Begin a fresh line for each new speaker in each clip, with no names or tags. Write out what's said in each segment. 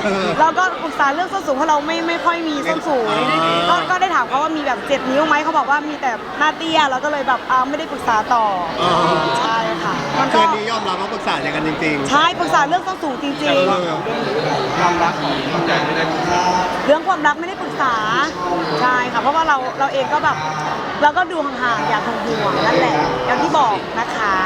เราก็ปรึกษาเรื่องส้นสูงเพราะเราไม่ค่อยมีส้นสูงก็ได้ถามเขาว่ามีแบบ7 นิ้วไหมเขาบอกว่ามีแต่หน้าเตี้ยเราก็เลยแบบไม่ได้ปรึกษาต่อใช่ค่ะมันก็
นี้ยอมรับว่าปรึกษาอย่างกันจริงๆ
ใช่ปรึกษาเรื่องส้นสูงจริงๆ
ความรักของน้องใจไม่ได้ปรึกษา
เรื่องความรักไม่ได้ปรึกษาใช่ค่ะเพราะว่าเราเองก็แบบเราก็ดูห่างๆอย่างห่วงๆนั่นแหละอย่างที่บอกนะคะ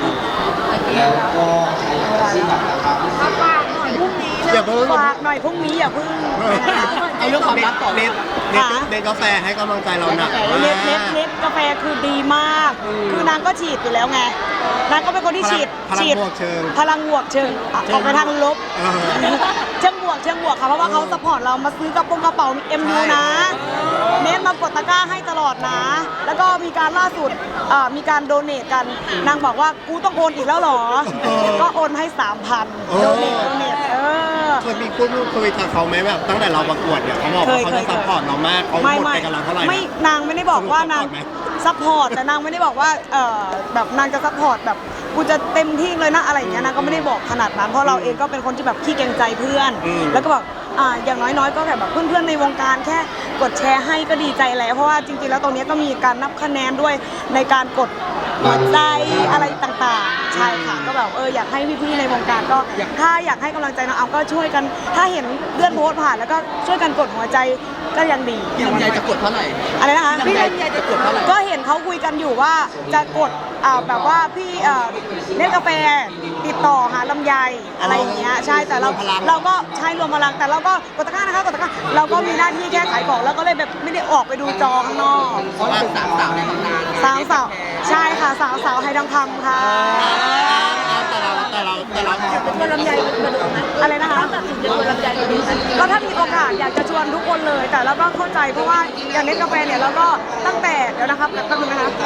ฝากหน่อยพรุ่งนี้ฝากหน่อยพรุ่งนี้อย่าเพิ่ง
เอาเรื่องความรักต่อเน็ตกาแฟให้กำลังใจเราหนัก
เน็ตกาแฟคือดีมากคือนางก็ฉีดอยู่แล้วไงนางก็เป็นคนที่ฉีดพลังบวกเชิงออกไปทางลบเชิงบวกค่ะเพราะว่าเขาสปอร์ตเรามาซื้อกระเป๋าMU นะเน็ตมากดตะกร้าให้ตลอดนะแล้วก็มีการล่าสุดมีการโดเนทกันนางบอกว่ากูต้องโอนอีกแล้วหรอก็โอนให้ 3,000 โดเนท
เคยมีพูดคุยกับเขาไหมแบบตั้งแต่เราประกวดเนี่ยเขาบอกว่าเขาจะซัพพอร์ตเรามากเขาหมดไปกำลังเท่าไหร่
ไม่นางไม่ได้บอกว่านางซัพพอร์ตแต่นางไม่ได้บอกว่าแบบนางจะซัพพอร์ตแบบกูจะเต็มที่เลยนะอะไรอย่างเงี้ยนางก็ไม่ได้บอกขนาดนั้นเพราะเราเองก็เป็นคนที่แบบขี้เกรงใจเพื่อนแล้วก็บอกอย่างน้อยๆก็แบบเพื่อนๆในวงการแค่กดแชร์ให้ก็ดีใจแล้วเพราะว่าจริงๆแล้วตรงนี้ก็มีการนับคะแนนด้วยในการกดหัวใจอะไรต่างๆใช่ค่ะก็แบบอยากให้พี่ๆในวงการก็ถ้าอยากให้กำลังใจน้องก็ช่วยกันถ้าเห็นเพื่อนโพสต์ผ่านแล้วก็ช่วยกันกดหัวใจก็ยังดี
พี่ลำไยจะกดเท่าไหร่
อะไรนะคะ
พี่ลำไยจะกดเท่าไหร่
ก็เห็นเขาคุยกันอยู่ว่าจะกดแบบว่าพี่เล่นกาแฟติดต่อหาลำไยอะไรอย่างเงี้ยใช่แต่เราก็ใช้รวมพลังแต่เราก็กดตะกร้านะคะกดตะกร้าเราก็มีหน้าที่แค่ขายของแล้วก็เลยแบบไม่ได้ออกไปดูจอข้างนอก
เพราะเป็น3 สาวในตำนาน
3 สาวใช่ค่ะสาวไฮทองคำค่ะ
แต่เรา
จะชวนลำไยมาดูไหม
อะไรนะคะ
ตัดสินจะชวนลำไยมาดูไหม
ก็ถ้ามีโอกาสอยากจะชวนทุกคนเลยแต่เราก็เข้าใจเพราะว่าอย่างเน็ตกาแฟเนี่ยเราก็ตั้งแต่เดี๋ยวนะครับแป๊บนึงนะคะ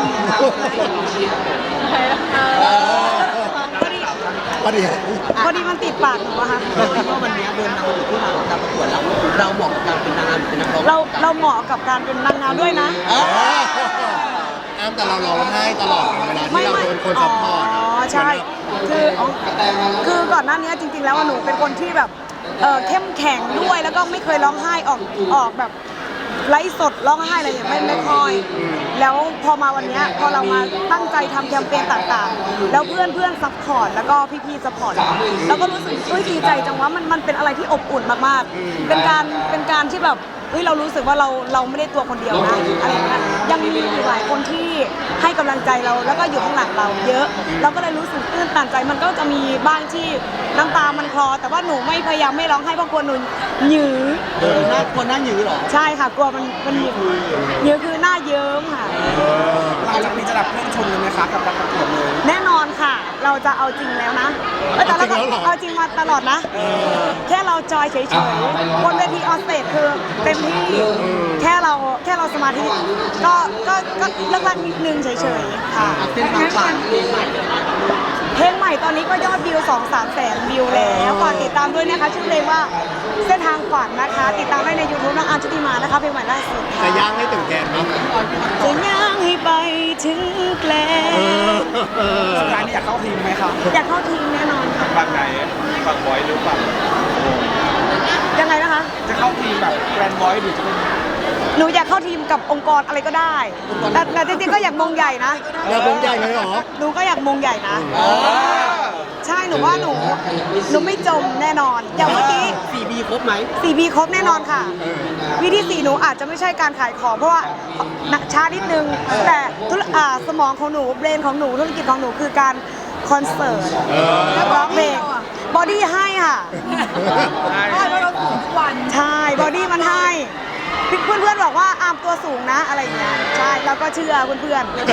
พอดีมันติดปากหนูอะค่ะ
ว่าวันนี้เดินทางมาถึงที่มาของการประกวดแล้วเราเหมาะกับการเป็นนางงามหรือเป็นนักร้อง
เราเหมาะกับการเป็นนางงามด้วยนะ
แต่เราร้องไห้ตลอดเวลาที่เราโดนคนซัพพอร์ต
ใช่คือก่อนหน้านี้จริงๆแล้วหนูเป็นคนที่แบบเข้มแข็งด้วยแล้วก็ไม่เคยร้องไห้ออกแบบไลฟ์สดร้องไห้อะไรอย่างไม่ค่อยแล้วพอมาวันนี้พอเรามาตั้งใจทำแคมเปญต่างๆแล้วเพื่อนซัพพอร์ตแล้วก็พี่ๆซัพพอร์ตเราก็รู้สึกดีใจจังว่ามันเป็นอะไรที่อบอุ่นมากๆเป็นการที่แบบเรารู้สึกว่าเราไม่ได้ตัวคนเดียวนะอะไรอย่างเงี้ยยังมีอีกหลายคนที่ให้กำลังใจเราแล้วก็อยู่ข้างหลังเราเยอะเราก็เลยรู้สึกตื้นตันใจมันก็จะมีบ้างที่น้ำตามันคลอแต่ว่าหนูไม่พยายามไม่ร้องไห้เพราะกลัวหนูหยือ
คนหน้าหยือหรอ
ใช่ค่ะกลัวมันหยือคือหน้าเยิ้มค่ะ
หลังจากนี้จะรับเพื่อนชมเลยไหมคะกับการประกวดเลย
แน่นอนค่ะเราจะเอาจริงแล้วนะแต่เราก็เอาจริงมาตลอดนะแค่เราจอยเฉยๆบนเวทีออนสเตจคือเต็มที่แค่เราสมาธิก็เลิกลักนิดนึงเฉยๆค่ะเพลงใหม่ตอนนี้ก็ยอดวิว 2-3 แสนวิวแล้วฝากติดตามด้วยนะคะชื่อเพลงว่าเส้นทางฝันนะคะติดตามได้ใน YouTube น้องอาร์มชุติมานะคะเพลงใหม่ล่าสุด
จะย่างให้ถึงแกนนะ
จะย่างให้ไปถึงแกล
สุดท้ายนี่อยากเข้าทีมไหมครับ
อยากเข้าทีมแน่นอนค่ะ
ฝั่งไหนฝั่งบอยหรือฝั่ง
ยังไงนะคะ
จะเข้าทีมแบบแกรนด์บอยหรือจะเป็น
หนูอยากเข้าทีมกับองค์กรอะไรก็ได้แต่จริงๆก็อยากมงใหญ่นะ
อยากมงใหญ่เลยเหรอ
หนูก็อยากมงใหญ่นะใช่หนูว่าหนูไม่จมแน่นอนอย่างเมื่อกี้
4B ครบไหม
4B ครบแน่นอนค่ะวิธี4หนูอาจจะไม่ใช่การขายของเพราะว่าช้านิดนึงแต่สมองของหนูเบรนของหนูธุรกิจของหนูคือการคอนเสิร์ตร้องเพลงบอดี้ให้ค่ะ
ใช่เพราะเราสูงทุกวัน
ใช่บอดี้มันให้เพื่อนๆบอกว่าอาร์มตัวสูงนะอะไรอย่างเงี้ยใช่แล้วก็เชื่อเพื่อนๆ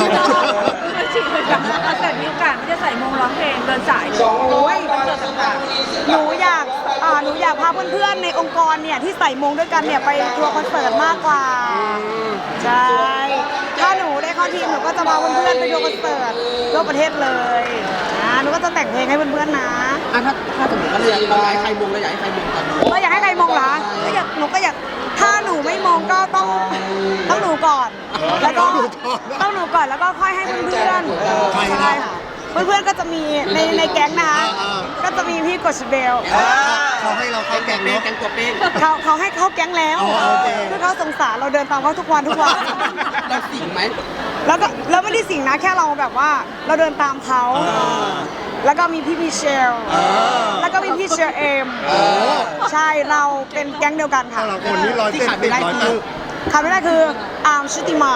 แต่มีโอกาสไม่ได้ใส่มงร้องเพลงเดินสาย
โอ้ยหนูอยากพาเพื่อนๆในองค์กรเนี่ยที่ใส่มงด้วยกันเนี่ยไปทัวร์คอนเสิร์ตมากกว่าใช่ถ้าหนูได้เข้าทีมหนูก็จะพาเพื่อนๆไปทัวร์คอนเสิร์ตทั่วประเทศเลยหนูก็จะแต่งเพลงให้เพื่อนๆนะ
ถ้าสมมติว่าเราอยากให้ใครมงเราอยากให้ใครมงกัน
เราอยากให้ใครมงเหรอหนูก็อยากถ้าหนูไม่มงก็ต้องหนูก่อนแล้วก็ต้องหนูก่อนแล้วก็ค่อยให้เพื่อนๆใช่ค่ะเพื่อนๆก็จะมีในแก๊งนะคะก็จะมีพี่กฤษเบล
เขาเขาให้เราเข้าแก๊งเนาะ
เขาให้เข้าแก๊งแล้ว
อ๋อโอเค
คือเขาสงสารเราเดินตามเขาทุกวัน
เราสิงไหม
แล้วก็เราไม่ได้สิ่งนะแค่เราแบบว่าเราเดินตามเขา แล้วก็มีพี่มิเชล แล้วก็มีพี่เชอร์เอม ใช่เราเป็นแก๊งเดียวกันค่ะ
แต่ละคนนี่100
ที่ขาดไม่ได้คือ
ขาดไม่ได้คืออาร์มชุติมา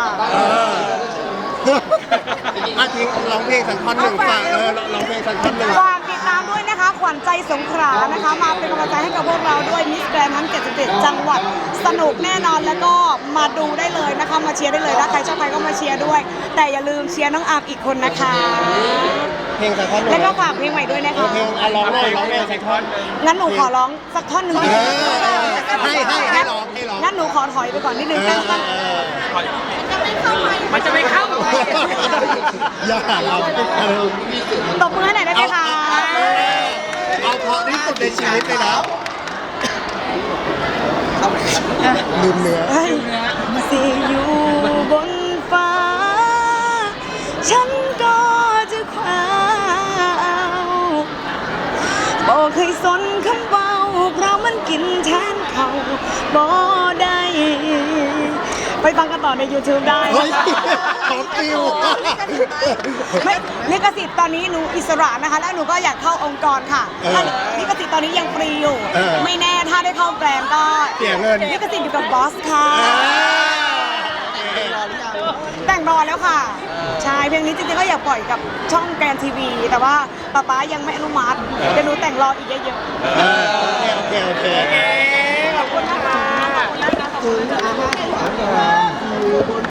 อาทิงร้องเพลงสักท่อนหนึ่งฝากร้องเพลงสักท่อนหนึ่ง
ฝากติดตามด้วยนะคะ ขวัญใจสงขลานะคะ มาเป็นกำลังใจให้กับพวกเราด้วยมิสแกรนด์ทั้ง77จังหวัดสนุกแน่นอนแล้วก็มาดูได้เลยนะคะมาเชียร์ได้เลยถ้าใครชอบใครก็มาเชียร์ด้วย แต่อย่าลืมเชียร์น้องอาร์มอีกคนนะคะ
เพลงสักท่อนหนึ่ง
แล้วก็ฝากเพลงใหม่ด้วยนะคะ
เพลงร้องเลยร้องเพลงสักท่อน
งั้นหนูขอร้องสักท่อนหนึ่ง
ให้ร้องให้ร้อง
งั้นหนูขอถอยไปก่อนนิดนึงตั้ง
มันจะไม่เข้า
อย่าเรา
ตบมือให้หน่อยได้ไหมคะ
เอาเพราะที่สุดในชีวิตเลยนะลืมเนื้อ
เฮ้ยสิอยู่บนฟ้า ฉันก็จะคว้าบ่เคยสนคำเบาเพราะมันกินแทนเขาบ่ได้ ไปฟังกันต่อใน YouTube ได้
เฮ้ยของฟิว
ไม่ลิขสิทธิ์ตอนนี้หนูอิสระนะคะ แล้วหนูก็อยากเข้าองค์กรค่ะถ้าลิขสิทธิ์ตอนนี้ยังฟรีอยู่ ไม่แน่ถ้าได้เข้าแกรมก็
เสียเงิน
ลิขสิทธิ์อยู่กับบอสค่ะ แต่งรอแล้วค่ะ ใช่เพลงนี้จริงๆก็อยากปล่อยกับช่องแกรนทีวี แต่ว่าป๊ายังไม่อนุมัติเดี๋ยวหนูแต่งรออีกเยอะ
โอเค
ๆขอบคุณนะคะขอบคุณนะคะ